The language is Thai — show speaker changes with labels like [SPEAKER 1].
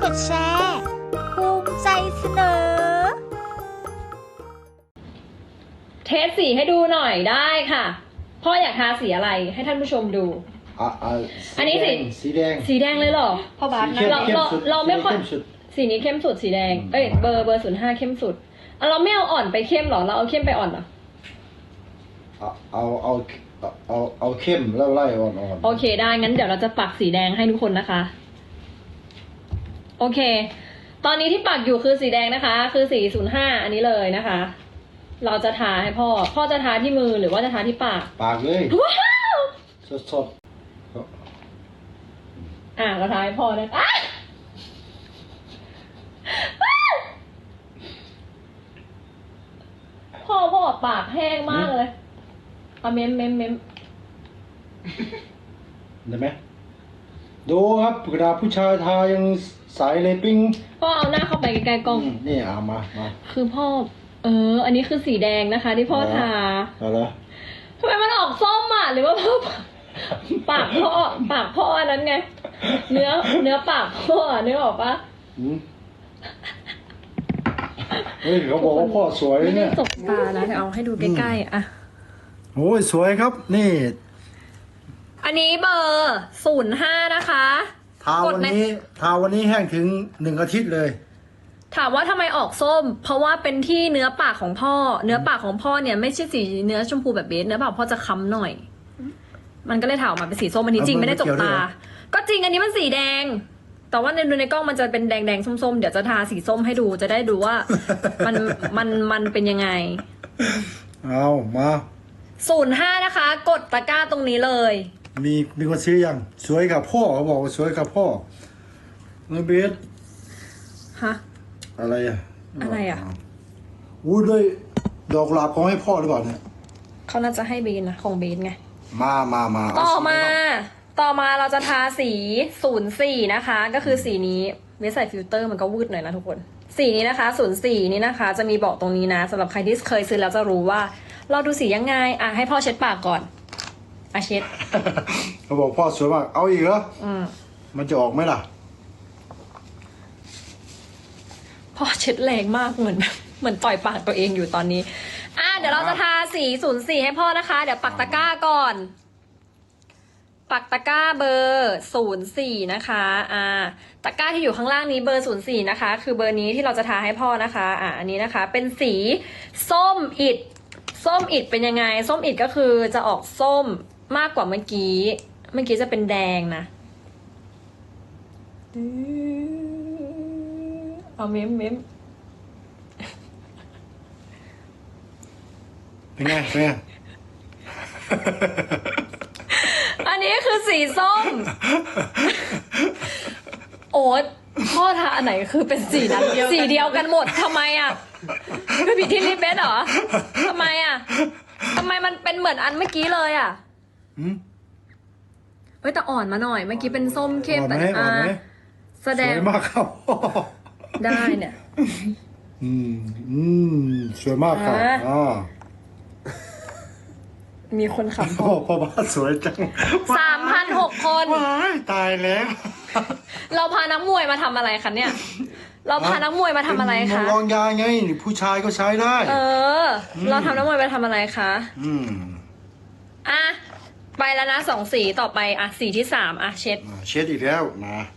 [SPEAKER 1] ดแชร์ภูมิใจเสนอ
[SPEAKER 2] เทสสีให้ดูหน่อยได้ค่ะพ่ออยากทาสีอะไรให้ท่านผู้ชมดูอันนี้สีแดงเลยเหรอพ่อบาสนะเราไม่ค่อยสีนี้เข้มสุดสีแดงเบอร์05เข้มสุดเราไม่เอาอ่อนไปเข้มหรอเราเอาเข้มไปอ่อนเหรอ
[SPEAKER 3] เอาเข้มแล้วไล่อ่อน
[SPEAKER 2] โอเคได้งั้นเดี๋ยวเราจะปักสีแดงให้ทุกคนนะคะโอเคตอนนี้ที่ปักอยู่คือสีแดงนะคะคือสี05อันนี้เลยนะคะเราจะทาให้พ่อจะทาที่มือหรือว่าจะทาที่ปาก
[SPEAKER 3] เลย
[SPEAKER 2] ว้าว
[SPEAKER 3] สด
[SPEAKER 2] เราทาให้พ่อนะพ่อปากแห้งมากเลยเอาเม้ม
[SPEAKER 3] ได้ไหมดูครับกระดาษผู้ชายทายังใสเลยปิ้ง
[SPEAKER 2] พ่อเอาหน้าเข้าไปใกล้ๆกล้อง
[SPEAKER 3] นี่เอามา
[SPEAKER 2] คือพ่ออันนี้คือสีแดงนะคะที่พ่อทา
[SPEAKER 3] อะไร
[SPEAKER 2] ทำไมมันออกส้มอ่ะหรือว่าพ่อปากพ่ออันนั้นไงเนื้อปากพ่อนึกออกปะ
[SPEAKER 3] เฮ้ยเขาบอกว่าพ่อสวยเนี่ย
[SPEAKER 2] ตกตานะเดี๋ยวเอาให้ดูใกล้ๆอ่ะ
[SPEAKER 3] โอ้ยสวยครับนี่
[SPEAKER 2] อันนี้เบอร์05นะคะ
[SPEAKER 3] ทาวันนี้แห้งถึง1 อาทิตย์เลย
[SPEAKER 2] ถามว่าทำไมออกส้มเพราะว่าเป็นที่เนื้อปากของพ่อเนื้อปากของพ่อเนี่ยไม่ใช่สีเนื้อชมพูแบบเบสเนื้อปากพ่อจะค้ำหน่อยมันก็เลยถามออกมาเป็นสีส้มอันนี้จริงไม่ได้จกตาก็จริงอันนี้มันสีแดงแต่ว่าในกล้องมันจะเป็นแดงส้มๆเดี๋ยวจะทาสีส้มให้ดูจะได้ดูว่ามันเป็นยังไง
[SPEAKER 3] เอามา
[SPEAKER 2] 05นะคะกดตะกร้าตรงนี้เลย
[SPEAKER 3] มีคนซื้อยังสวยกับพ่อเขาบอกว่าสวยกับพ่อเนื้อเบส
[SPEAKER 2] ฮะ
[SPEAKER 3] อะไรอู้ด้วยดอกกุหลาบของให้พ่อหรือเปล่าเนี่ย
[SPEAKER 2] เขาน่าจะให้เบสนะของเบสไง
[SPEAKER 3] มา
[SPEAKER 2] ต่อมาเราจะทาสี04นะคะก็คือสีนี้เบสใส่ฟิลเตอร์มันก็วืดหน่อยนะทุกคนสีนี้นะคะ04นี้นะคะจะมีบอกตรงนี้นะสำหรับใครที่เคยซื้อแล้วจะรู้ว่าเราดูสียังไงให้พ่อเช็ดปากก่อนเช็ด
[SPEAKER 3] เขาบอกพ่อสวยมากเอาอีกเหรอมันจะออกไหมล่ะ
[SPEAKER 2] พ่อเช็ดแรงมากเหมือนต่อยปากตัวเองอยู่ตอนนี้เดี๋ยวเราจะทาสี04ให้พ่อนะคะเดี๋ยวปักตะกร้าก่อนปักตะกร้าเบอร์04นะคะตะกร้าที่อยู่ข้างล่างนี้เบอร์04นะคะคือเบอร์นี้ที่เราจะทาให้พ่อนะคะอันนี้นะคะเป็นสีส้มอิฐเป็นยังไงส้มอิฐก็คือจะออกส้มมากกว่าเมื่อกี้จะเป็นแดงนะเอาเม้ม
[SPEAKER 3] เป็นไง
[SPEAKER 2] อันนี้คือสีส้มโอ๊ตพ่อทาอันไหนคือเป็นสีนั้นสีเดียวกันหมดทำไมคือผิดที่ลิปเบสเหรอทำไมมันเป็นเหมือนอันเมื่อกี้เลยแต่อ่อนมาหน่อยเมื่อกี้เป็นส้มเข้มแต่แสดง
[SPEAKER 3] สวยมากครับ
[SPEAKER 2] ได้เนี่ย
[SPEAKER 3] สวยมากครับ
[SPEAKER 2] มีคนขำ
[SPEAKER 3] พ่อบ้านสวยจัง
[SPEAKER 2] 3,600 คน
[SPEAKER 3] ตายแล้ว
[SPEAKER 2] เราพานักมวยมาทำอะไรคะเนี่ยเราพานักมวยมาทำอะไรคะ
[SPEAKER 3] ลองยาไงผู้ชายก็ใช้ได้
[SPEAKER 2] เราทำนักมวยไปทำอะไรคะไปแล้วนะ2 สีต่อไปสีที่3เช็ด
[SPEAKER 3] อีกแล้วนะ